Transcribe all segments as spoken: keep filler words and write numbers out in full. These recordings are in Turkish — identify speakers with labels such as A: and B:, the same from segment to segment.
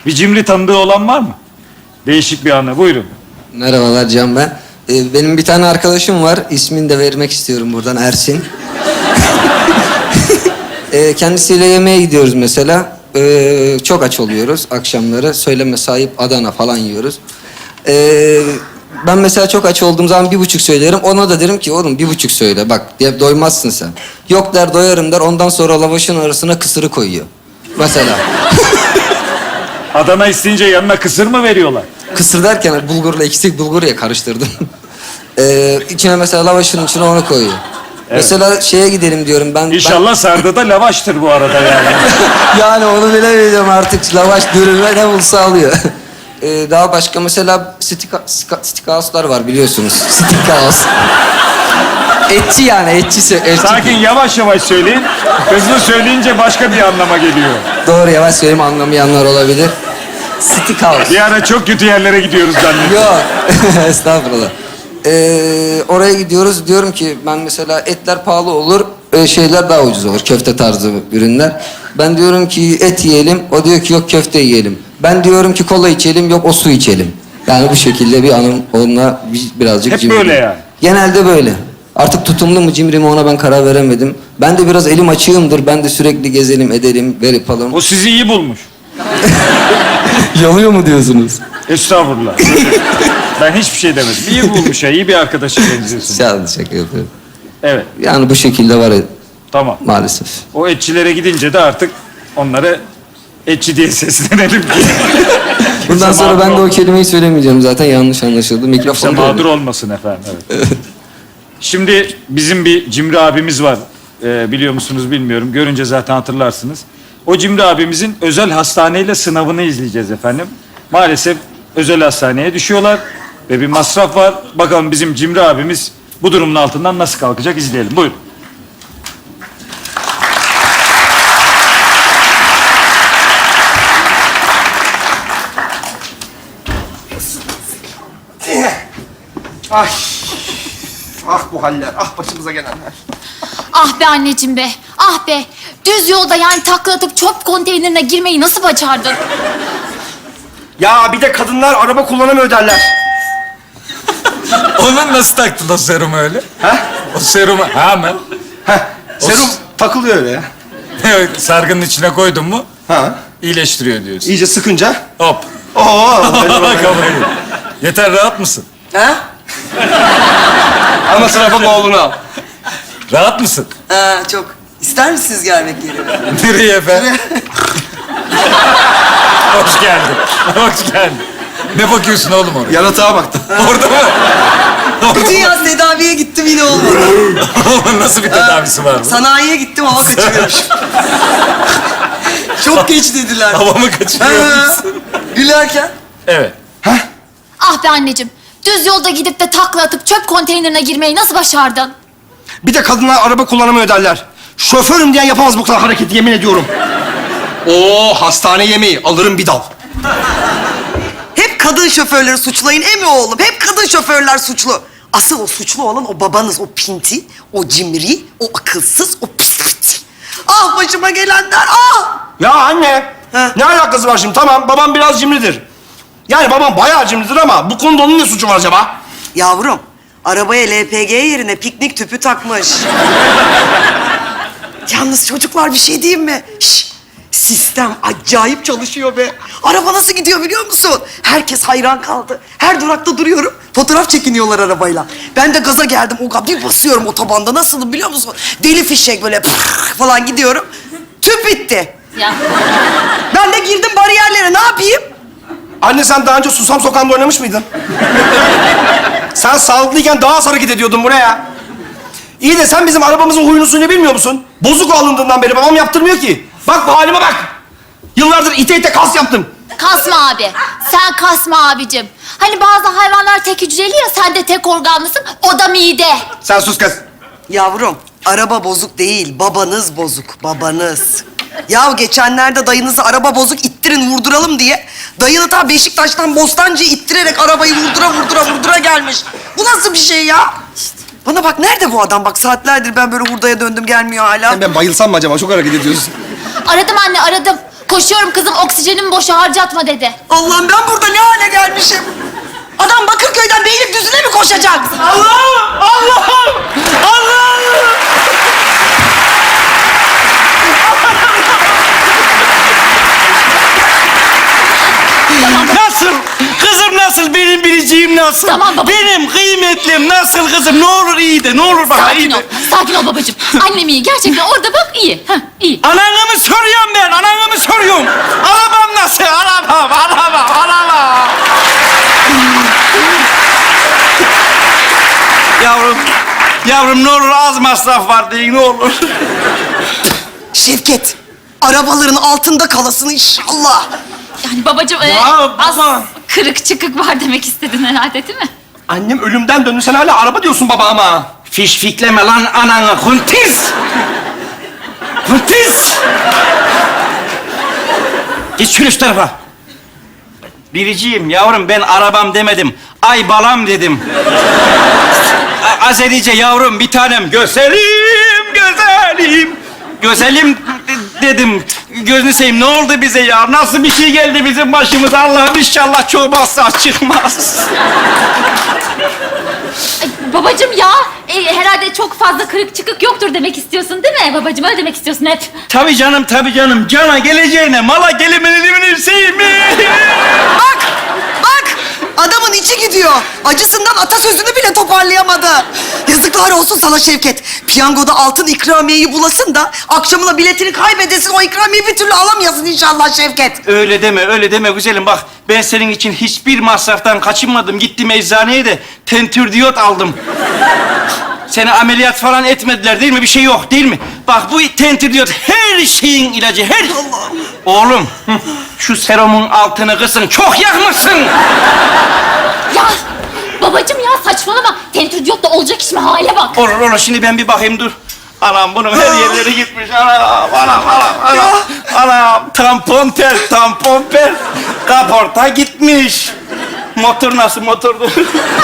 A: Bir cimri tanıdığı olan var mı? Değişik bir anı. Buyurun.
B: Merhabalar Can ben. Ee, benim bir tane arkadaşım var. İsmini de vermek istiyorum buradan, Ersin. ee, kendisiyle yemeğe gidiyoruz mesela. Ee, çok aç oluyoruz akşamları. Söyleme sahip Adana falan yiyoruz. Ee, ben mesela çok aç olduğum zaman bir buçuk söylerim. Ona da derim ki oğlum bir buçuk söyle bak diye, doymazsın sen. Yok der, doyarım der. Ondan sonra lavaşın arasına kısırı koyuyor. Mesela.
A: Adana isteyince yanına kısır mı veriyorlar?
B: Kısır derken bulgurla eksik bulgur ya karıştırdım. ee, içine mesela lavaşın içine onu koyuyor.
A: Evet.
B: Mesela şeye gidelim diyorum ben.
A: İnşallah sardı da lavaştır bu arada yani.
B: Ben... yani onu bilemeyeceğim artık. Lavaş dürüme ne bulsa alıyor. ee, daha başka mesela stika, stika, steakhouse'lar var biliyorsunuz. Steakhouse. Etçi yani etçisi. Etçi.
A: Sakin yavaş yavaş söyleyin. Hızlı söyleyince başka bir anlama geliyor.
B: Doğru, yavaş söyleyeyim, anlamayanlar olabilir. Steakhouse.
A: Bir ara çok kötü yerlere gidiyoruz zannediyorum.
B: Yok. Estağfurullah. Ee, oraya gidiyoruz. Diyorum ki ben mesela etler pahalı olur, e, şeyler daha ucuz olur. Köfte tarzı ürünler. Ben diyorum ki et yiyelim. O diyor ki yok köfte yiyelim. Ben diyorum ki kola içelim. Yok o su içelim. Yani bu şekilde bir anım onunla bir- birazcık
A: Hep
B: cimri.
A: böyle yani.
B: Genelde böyle. Artık tutumlu mu cimri mi ona ben karar veremedim. Ben de biraz elim açığımdır. Ben de sürekli gezelim edelim verip alalım.
A: O sizi iyi bulmuş.
B: Yalıyor mu diyorsunuz?
A: Estağfurullah. Ben hiçbir şey demedim. İyi bulmuş ya, iyi bir arkadaşa benziyorsun.
B: Şaka şaka yapıyorum.
A: Evet,
B: Yani bu şekilde var
A: tamam.
B: maalesef.
A: O etçilere gidince de artık onlara etçi diye seslenelim ki.
B: Bundan
A: Kimse
B: sonra ben
A: mağdur
B: de o
A: olmasın.
B: kelimeyi söylemeyeceğim zaten, yanlış anlaşıldı.
A: Kimse
B: Mikrofon
A: mağdur olmasın efendim. Evet. Şimdi bizim bir Cimri abimiz var. Ee, biliyor musunuz bilmiyorum. Görünce zaten hatırlarsınız. O Cimri abimizin özel hastaneyle sınavını izleyeceğiz efendim. Maalesef özel hastaneye düşüyorlar ve bir masraf var. Bakalım bizim Cimri abimiz bu durumun altından nasıl kalkacak, izleyelim. Buyurun.
C: Ay, ah bu haller, ah başımıza gelenler.
D: Ah be anneciğim be, ah be. Düz yolda yani takla atıp çöp konteynerine girmeyi nasıl başardın?
C: Ya bir de kadınlar araba kullanamıyor derler.
E: Onun nasıl taktın o serumu öyle?
C: Ha?
E: O serumu hemen.
C: Heh, serum
E: s-
C: takılıyor öyle ya.
E: Sargının içine koydun mu
C: Ha,
E: iyileştiriyor diyorsun.
C: iyice sıkınca.
E: Hop.
C: Oo,
E: Kafayı. Yeter, rahat mısın?
C: ha? Ama sınıfın oğlunu al.
E: Rahat mısın?
F: Ha, çok. İster misiniz gelmek yerine?
E: Nereye efendim? Hoş geldin. Hoş geldin. Ne bakıyorsun oğlum oraya?
C: Yaratığa baktım.
E: Orada mı?
F: Bütün yaz tedaviye gittim yine olmadı.
E: Oğlum nasıl bir tedavisi var bu?
F: Sanayiye gittim hava kaçırıyormuşum. Çok geç dediler.
E: Havamı kaçırıyor
F: Ha,
E: musun?
F: gülerken.
E: Evet.
D: Ah be anneciğim, düz yolda gidip de takla atıp çöp konteynerine girmeyi nasıl başardın?
C: Bir de kadınlar araba kullanamıyor derler. Şoförüm diyen yapamaz bu kadar hareketi, yemin ediyorum. Oo, hastane yemeği, alırım bir dal.
F: Hep kadın şoförleri suçlayın emi oğlum. Hep kadın şoförler suçlu. Asıl o suçlu olan o babanız, o pinti, o cimri, o akılsız, o pis pis. Ah başıma gelenler, ah!
C: Ya anne,
F: Ha?
C: ne alakası var şimdi? Tamam, babam biraz cimridir. Yani babam bayağı cimridir ama bu konuda onun ne suçu var acaba?
F: Yavrum, arabaya L P G yerine piknik tüpü takmış. Yalnız çocuklar bir şey diyeyim mi? Şş, sistem acayip çalışıyor be. Araba nasıl gidiyor biliyor musun? Herkes hayran kaldı. Her durakta duruyorum. Fotoğraf çekiniyorlar arabayla. Ben de gaza geldim. O bir basıyorum otobanda. Nasıl biliyor musun? Deli fişek böyle pırr falan gidiyorum. Tüp bitti.
D: Ya.
F: Ben de girdim bariyerlere. Ne yapayım?
C: Anne sen daha önce Susam Sokağı'nda oynamış mıydın? Sen sağlıklıyken daha az hareket ediyordun buraya. İyi de sen bizim arabamızın huyunu suyunu bilmiyor musun? Bozuk alındığından beri babam yaptırmıyor ki. Bak bu halime bak. Yıllardır ite ite kas yaptım.
D: Kasma abi, sen kasma abicim. Hani bazı hayvanlar tek hücreli ya, sen de tek organlısın, o da mide.
C: Sen sus kız.
F: Yavrum, araba bozuk değil, babanız bozuk, babanız. Ya geçenlerde dayınızı araba bozuk ittirin vurduralım diye... ...dayını ta Beşiktaş'tan Bostancı'yı ittirerek arabayı vurdura vurdura vurdura gelmiş. Bu nasıl bir şey ya? Bana bak, nerede bu adam? Bak saatlerdir ben böyle hurdaya döndüm, gelmiyor hala.
C: Ben bayılsam mı acaba? Çok hareket ediyorsun.
D: Aradım anne, aradım. Koşuyorum kızım, oksijenimi boşa harcatma dedi.
F: Allah'ım ben burada ne hale gelmişim? Adam Bakırköy'den Beylikdüzü'ne mi koşacak?
C: Allah'ım! Allah'ım! Allah'ım!
G: Nasıl? Kızım nasıl? Benim biriciğim nasıl?
D: Tamam baba.
G: Benim kıymetlim nasıl kızım? Ne olur iyi de, ne olur bana iyi
D: Sakin ol,
G: de.
D: sakin ol babacığım. Annem iyi, gerçekten orada bak iyi. Heh, iyi.
G: Ananı mı soruyorum ben? Ananı mı soruyorum? Arabam nasıl? Arabam, arabam, arabam. Yavrum, yavrum ne olur az masraf var deyin ne olur.
F: Şevket, arabaların altında kalasın inşallah.
D: Yani babacığım e,
C: Ya
D: az
C: baba.
D: kırık çıkık var demek istedin herhalde değil mi?
C: Annem ölümden döndü. Sen hala araba diyorsun baba ama.
G: Fişfikleme lan ananı kuntiz. Kuntiz. Git şunu şu tarafa. Biriciğim yavrum ben arabam demedim. Ay balam dedim. A- Azerice yavrum bir tanem. Gözelim, gözelim. Gözelim de- dedim. Gözünü seveyim ne oldu bize ya? Nasıl bir şey geldi bizim başımıza? Allah'ım inşallah çoğmazsa çıkmaz.
D: Ay, babacığım ya, e, herhalde çok fazla kırık çıkık yoktur demek istiyorsun değil mi? Babacığım öyle demek istiyorsun hep.
G: Tabii canım, tabii canım. Cana geleceğine, mala gelimenini sevmeyi.
F: Bak, bak. Adamın içi gidiyor. Acısından atasözünü bile toparlayamadı. Yazıklar olsun sana Şevket. Piyangoda altın ikramiyeyi bulasın da akşamına biletini kaybedesin. O ikramiyeyi bir türlü alamayasın inşallah Şevket.
G: Öyle deme, öyle deme güzelim. Bak ben senin için hiçbir masraftan kaçınmadım. Gittim eczaneye de tentürdiyot aldım. Seni ameliyat falan etmediler değil mi? Bir şey yok değil mi? Bak bu tentürdiyot her şeyin ilacı, her... Oğlum, hı, şu serumun altını kısın. Çok yakmışsın.
D: Ya babacığım ya saçmalama. Tentürdiyot da olacak iş mi? Hale bak.
G: Olur olur, şimdi ben bir bakayım dur. Anam bunun her yerleri gitmiş. Anam, anam, anam, anam. Anam, tampon tel, tampon pel. Kaporta gitmiş. Motor nasıl motordu?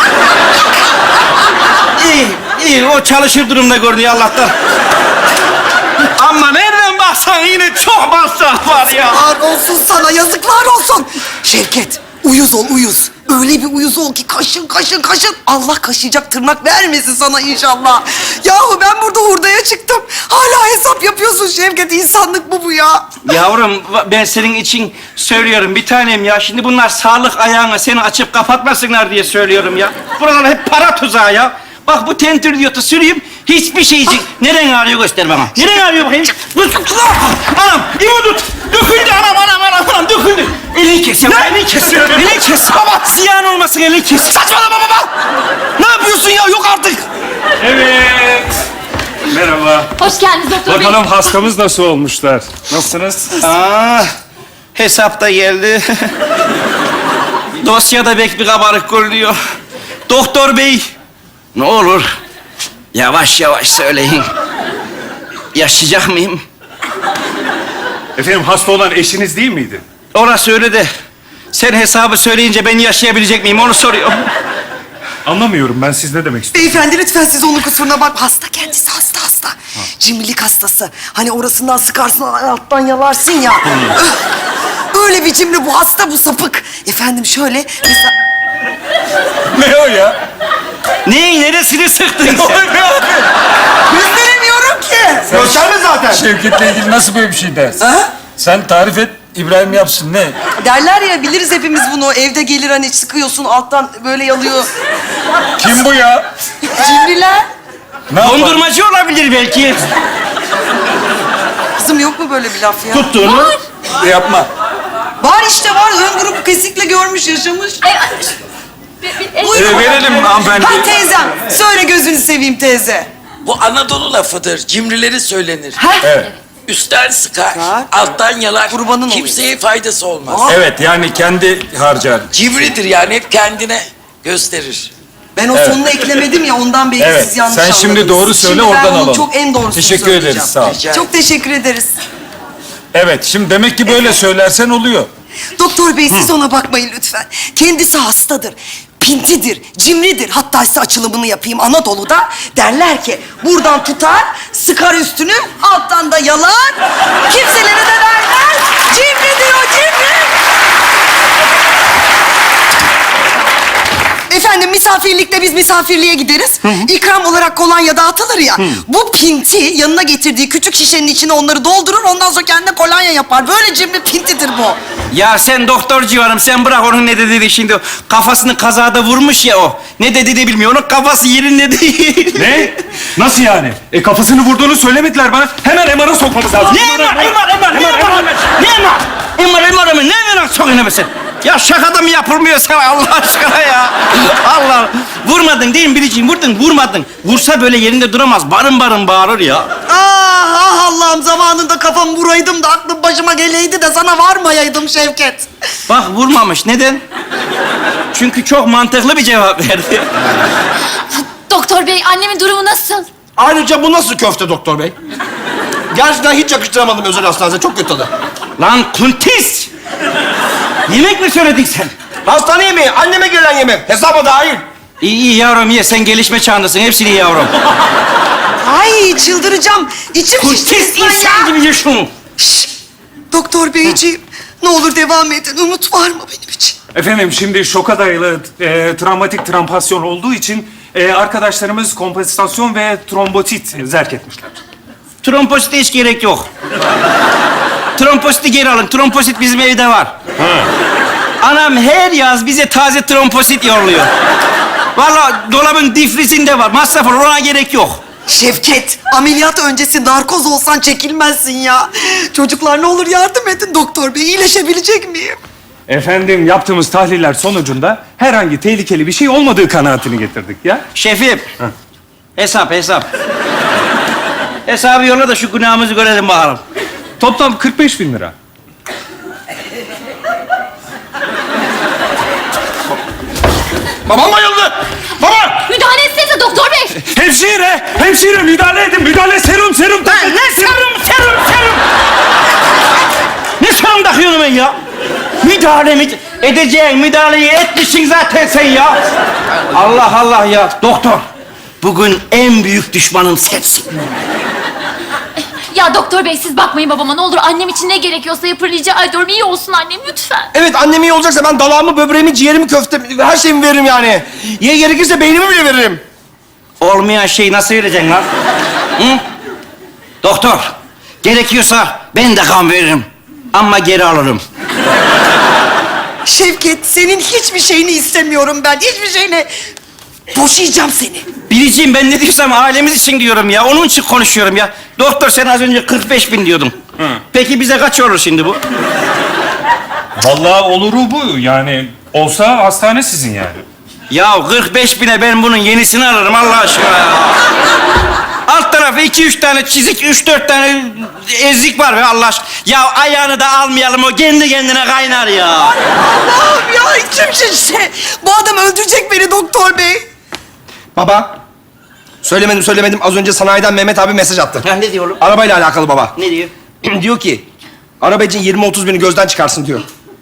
G: iyi, iyi. O çalışır durumda görünüyor Allah'tan. Ama nereden baksan yine çok masraf var ya.
F: Yazıklar olsun sana, yazıklar olsun. Şevket, uyuz ol, uyuz. Öyle bir uyuz ol ki kaşın, kaşın, kaşın. Allah kaşıyacak tırnak vermesin sana inşallah. Yahu ben burada hurdaya çıktım. Hala hesap yapıyorsun Şevket. İnsanlık mı bu ya?
G: Yavrum ben senin için söylüyorum bir tanem ya. Şimdi bunlar sağlık ayağına seni açıp kapatmasınlar diye söylüyorum ya. Buralar hep para tuzağı ya. Bak bu tentürdiyotu süreyim hiçbir şey için. Neren ağrıyor göster bana. Neren ağrıyor bakayım. Anam İmo tut. Döküldü anam anam anam anam döküldü. Elini kes ya. Elini kes. Elini kes. Baba ziyan olmasın elini kes.
C: Saçmalama baba! Ne yapıyorsun ya? Yok artık!
E: Evet. Merhaba.
D: Hoş geldiniz doktor bey.
E: Bakalım hastamız nasıl olmuşlar? Nasılsınız?
G: Aa, hesap da geldi. Dosyada pek bir kabarık görünüyor. Doktor bey, ne olur yavaş yavaş söyleyin. Yaşayacak mıyım?
E: Efendim hasta olan eşiniz değil miydi?
G: Orası öyle de sen hesabı söyleyince ben yaşayabilecek miyim onu soruyorum.
E: Anlamıyorum ben, siz ne demek istiyorsunuz?
F: Beyefendi lütfen siz onun kusuruna bak. Hasta kendisi, hasta hasta. Cimrilik hastası. Hani orasından sıkarsın, alttan yalarsın ya. Öh! Öyle bir cimri bu, hasta bu, sapık. Efendim şöyle, mesela...
E: Ne o ya?
G: Neyin neresini sıktın sen?
F: Gösteremiyorum ki.
C: Gösterme zaten.
E: Şevket'le ilgili nasıl böyle bir şey dersin?
F: Ha?
E: Sen tarif et, İbrahim yapsın ne?
F: Derler ya, biliriz hepimiz bunu. Evde gelir hani sıkıyorsun, alttan böyle yalıyor.
E: Kim bu ya?
F: Cimriler.
E: Ne yapar?
G: Dondurmacı olabilir belki.
F: Kızım yok mu böyle bir laf ya?
E: Tuttuğunu yapma.
F: Var işte var. Ön grup kesikle görmüş, yaşamış.
D: Ay, ay, bir- bir- el-
F: Buyurun.
E: Ee, verelim hanımefendi.
F: Ha teyzem. Söyle gözünü seveyim teyze.
H: Bu Anadolu lafıdır. Cimrileri söylenir.
F: Ha?
E: Evet.
H: Üstten sıkar,
F: Sıkar.
H: alttan yalar.
F: Kurbanın
H: Kimseye faydası olmaz.
F: Aa.
E: Evet yani kendi harcar.
H: Cimridir yani hep kendine gösterir.
F: Ben o
E: Evet.
F: sonunu eklemedim ya, ondan belki
E: Evet,
F: siz yanlış
E: sen
F: anladınız.
E: şimdi doğru söyle,
F: Şimdi
E: oradan
F: ben onun
E: alalım.
F: çok en doğrusunu
E: Teşekkür
F: söyleyeceğim.
E: ederiz, sağ ol.
H: Rica
F: Çok teşekkür ederiz.
E: Evet şimdi demek ki böyle söylersen oluyor.
F: Doktor bey siz ona bakmayın lütfen. Kendisi hastadır. pintidir, cimridir. Hatta size açılımını yapayım. Anadolu'da derler ki buradan tutar, sıkar üstünü, alttan da yalar. Kimselere de vermez. Cimridir o, cimri. Efendim misafirlikte biz misafirliğe gideriz. İkram olarak kolonya dağıtılır ya. Bu pinti yanına getirdiği küçük şişenin içine onları doldurur. Ondan sonra kendine kolonya yapar. Böyle cimri pintidir bu.
G: Ya sen doktor civarım, sen bırak onun ne dediğini şimdi. Kafasını kazada vurmuş ya o. Ne dediğini bilmiyor, onun kafası yerinde değil.
E: Ne? Nasıl yani? E kafasını vurduğunu söylemediler bana. Hemen M R'a sokmamız lazım.
G: Ne emar, emar, emar, ne emar, ne emar? Emar, emar, emar, ne emar sokuyorsun be sen? Ya şakada mı yapılmıyor sana Allah aşkına ya? Allah, vurmadın değil mi Biricik? Vurdun, vurmadın. Vursa böyle yerinde duramaz, barın barın bağırır ya.
F: Ah, ah Allah'ım zamanında kafamı vuraydım da aklım başıma geleydi de sana varmayaydım Şevket.
G: Bak vurmamış, neden? Çünkü çok mantıklı bir cevap verdi.
D: Doktor bey annemin durumu nasıl?
C: Ayrıca bu nasıl köfte doktor bey? Gerçekten hiç yakıştıramadım özel hastanede. Çok kötü tadı.
G: Lan kuntis! Yemek mi söyledin sen?
C: Hastane yemeği, anneme gelen yemek. Hesaba dahil.
G: İyi, iyi yavrum ye, sen gelişme çağındasın, hepsini ye yavrum.
F: Ay çıldıracağım. İçim şişti
G: Kuntis
F: resmen ya.
G: insan gibi ye şunu.
F: Şşş! Doktor beyciğim, ne olur devam edin. Umut var mı benim için?
E: Efendim şimdi şoka dayalı e, travmatik trampasyon olduğu için e, arkadaşlarımız kompensasyon ve trombotit zerk etmişler.
G: Tromposite hiç gerek yok. Trompositi geri alın, tromposit bizim evde var. Anam her yaz bize taze tromposit yolluyor. Vallahi dolabın difrizinde var, masraf olur, ona gerek yok.
F: Şevket, ameliyat öncesi narkoz olsan çekilmezsin ya. Çocuklar ne olur yardım edin doktor bey. İyileşebilecek miyim?
E: Efendim yaptığımız tahliller sonucunda herhangi tehlikeli bir şey olmadığı kanaatini getirdik ya.
G: Şefim, hesap hesap. Hesabı yolla da şu günahımızı görelim bakalım.
E: Toplam kırk beş bin lira.
C: Babam bayıldı. Baba!
D: Müdahale etsenize doktor bey.
E: Hemşire! Hemşire müdahale edin! Müdahale serum serum!
G: Lan ne serum, serum, serum! Ne serum takıyorsun ben ya? Müdahale mi? Edeceğin müdahaleyi etmişsin zaten sen ya. Allah Allah ya. Doktor, bugün en büyük düşmanım sensin.
D: Ya doktor bey siz bakmayın babama ne olur. Annem için ne gerekiyorsa yapın rica ediyorum. İyi olsun annem lütfen.
C: Evet annem iyi olacaksa ben dalağımı, böbreğimi, ciğerimi, köftemi, her şeyimi veririm yani. Ye gerekirse beynimi bile veririm.
G: Olmayan şeyi nasıl vereceksin lan? Hı? Doktor, gerekiyorsa ben de kan veririm. Ama geri alırım.
F: Şevket, senin hiçbir şeyini istemiyorum ben. Hiçbir şeyini. Boşayacağım seni.
G: Biriciğim ben ne diyorsam ailemiz için diyorum ya. Onun için konuşuyorum ya. Doktor sen az önce kırk beş bin diyordun. Peki bize kaç olur şimdi bu?
E: Vallahi oluru bu yani. Olsa hastane sizin yani.
G: Ya kırk beş bine ben bunun yenisini alırım Allah aşkına ya. Alt tarafı iki üç tane çizik, üç dört tane ezik var be Allah aşkına. Ya ayağını da almayalım, o kendi kendine kaynar ya.
F: Allah'ım ya içim şişti. Bu adam öldürecek beni doktor bey.
C: Baba. Söylemedim söylemedim. Az önce sanayiden Mehmet abi mesaj attı.
G: Ha, ne diyor oğlum?
C: Arabayla alakalı baba.
G: Ne diyor?
C: Diyor ki araba için yirmi otuz bini gözden çıkarsın diyor.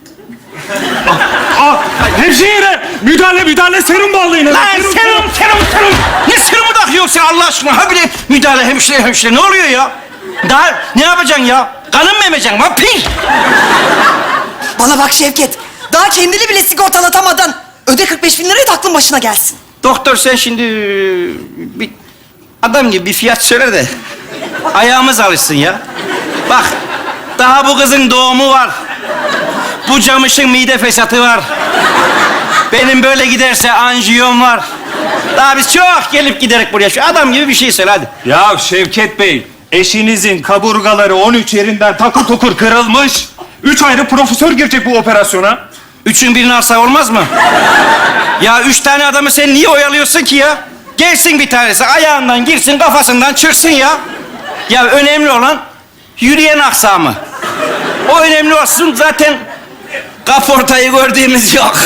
E: Aa, hemşire! Müdahale müdahale serum bağlayın.
G: Lan serum, serum, serum. Ne serumu takıyorsun sen Allah aşkına? Ha bile müdahale hemşire, hemşire. Ne oluyor ya? Daha ne yapacaksın ya? Kanın mı emeceksin? Vampir!
F: Bana bak Şevket. Daha kendini bile sigortalatamadın. Öde kırk beş bin lirayı da aklın başına gelsin.
G: Doktor sen şimdi bir adam gibi bir fiyat söyle de ayağımız alışsın ya. Bak daha bu kızın doğumu var. Bu camışın mide fesatı var. Benim böyle giderse anjiyom var. Daha biz çok gelip giderek buraya. Şu adam gibi bir şey söyle hadi.
E: Ya Şevket Bey, eşinizin kaburgaları on üç yerinden takır tokur kırılmış. Üç ayrı profesör girecek bu operasyona.
G: Üçün birini alsak olmaz mı? Ya üç tane adamı sen niye oyalıyorsun ki ya? Gelsin bir tanesi ayağından girsin kafasından çıksın ya. Ya önemli olan yürüyen aksamı. O önemli olsun zaten kaportayı gördüğümüz yok.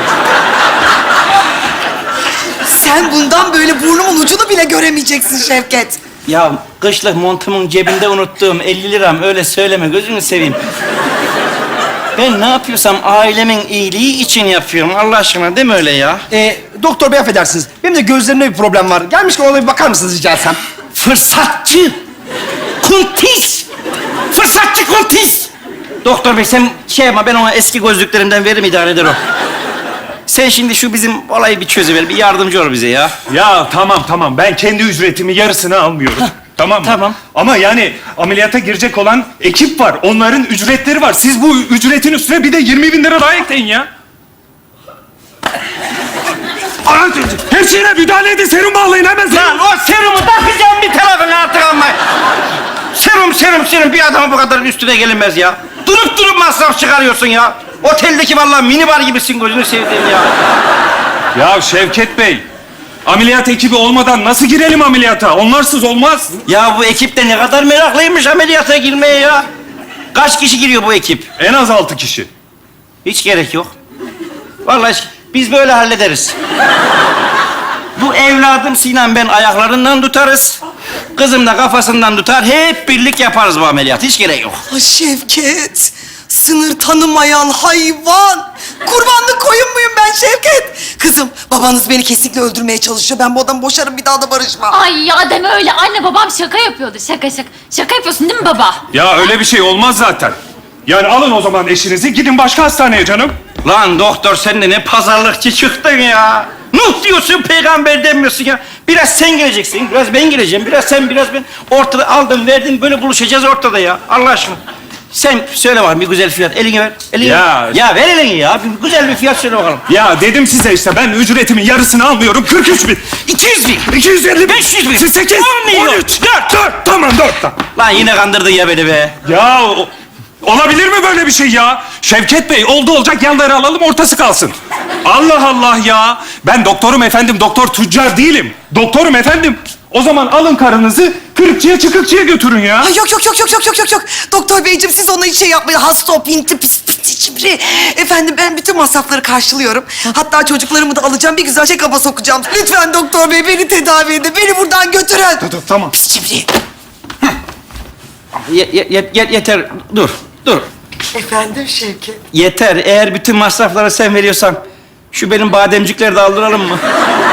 F: Sen bundan böyle burnumun ucunu bile göremeyeceksin Şevket.
G: Ya kışlık montumun cebinde unuttuğum elli liram öyle söyleme gözünü seveyim. Ben ne yapıyorsam ailemin iyiliği için yapıyorum. Allah aşkına değil mi öyle ya?
C: Ee, doktor bey affedersiniz. Benim de gözlerimde bir problem var. Gelmişken ona bir bakar mısınız rica etsem?
G: Fırsatçı! Kuntis! Fırsatçı kuntis! Doktor bey sen şey yapma, ben ona eski gözlüklerimden veririm, idare eder o. Sen şimdi şu bizim olayı bir çözüver, bir yardımcı ol bize ya.
E: Ya tamam tamam, ben kendi ücretimi yarısını almıyorum. Tamam mı?
G: tamam.
E: Ama yani ameliyata girecek olan ekip var. Onların ücretleri var. Siz bu ücretin üstüne bir de yirmi bin lira daha ekleyin ya. Aa, her şeyine müdahale edin. Serum bağlayın hemen.
G: Lan o serumu takacağım bir tarafına artık ama. Serum, serum, serum. Bir adama bu kadar üstüne gelinmez ya. Durup durup masraf çıkarıyorsun ya. Oteldeki vallahi minibar gibisin, gözünü sevdiğim ya.
E: Ya Şevket Bey, ameliyat ekibi olmadan nasıl girelim ameliyata? Onlarsız olmaz.
G: Ya bu ekip de ne kadar meraklıymış ameliyata girmeye ya. Kaç kişi giriyor bu ekip?
E: En az altı kişi.
G: Hiç gerek yok. Vallahi hiç- biz böyle hallederiz. Bu evladım Sinan ben ayaklarından tutarız. Kızım da kafasından tutar. Hep birlik yaparız bu ameliyatı. Hiç gerek yok.
F: Ay Şevket, sınır tanımayan hayvan. Kurbanlık koyun muyum ben Şevket? Kızım, babanız beni kesinlikle öldürmeye çalışıyor. Ben bu adamı boşarım, bir daha da barışmam.
D: Ay ya deme öyle. Anne babam şaka yapıyordu. Şaka şaka. Şaka yapıyorsun değil mi baba?
E: Ya öyle bir şey olmaz zaten. Yani alın o zaman eşinizi, gidin başka hastaneye canım.
G: Lan doktor sen de ne pazarlıkçı çıktın ya. Nuh diyorsun, peygamber demiyorsun ya. Biraz sen geleceksin, biraz ben geleceğim, biraz sen, biraz ben. Ortada aldın, verdin, böyle buluşacağız ortada ya. Allah aşkına. Sen söyle bakalım bir güzel fiyat. Elini ver. Elini
E: Ya-
G: ver. Ya ver elini ya. Bir güzel bir fiyat söyle bakalım.
E: Ya dedim size işte, ben ücretimin yarısını almıyorum. kırk üç bin.
G: iki yüz bin.
E: iki yüz elli bin.
G: beş yüz bin.
E: Siz sekiz.
G: on milyon.
E: on üç. dört. dört. Tamam dört. Tamam.
G: Lan yine kandırdın ya beni be.
E: Ya o- olabilir mi böyle bir şey ya? Şevket Bey, oldu olacak yanları alalım, ortası kalsın. Allah Allah ya. Ben doktorum efendim, doktor tüccar değilim. Doktorum efendim. O zaman alın karınızı kırıkçıya çıkıkçıya götürün ya.
F: Ay yok yok yok yok yok yok yok yok. Doktor beyciğim siz ona hiç şey yapmayın. Hasta o pinti pis pis cimri. Efendim ben bütün masrafları karşılıyorum. Hatta çocuklarımı da alacağım, bir güzel check-up'a sokacağım. Lütfen doktor bey beni tedavi edin. Beni buradan götürün.
E: Tamam, tamam.
F: Pis cimri.
G: Ye- ye- ye- ye- yeter. Dur. Dur.
F: Efendim Şevket.
G: Yeter. Eğer bütün masrafları sen veriyorsan şu benim bademcikleri de aldıralım mı?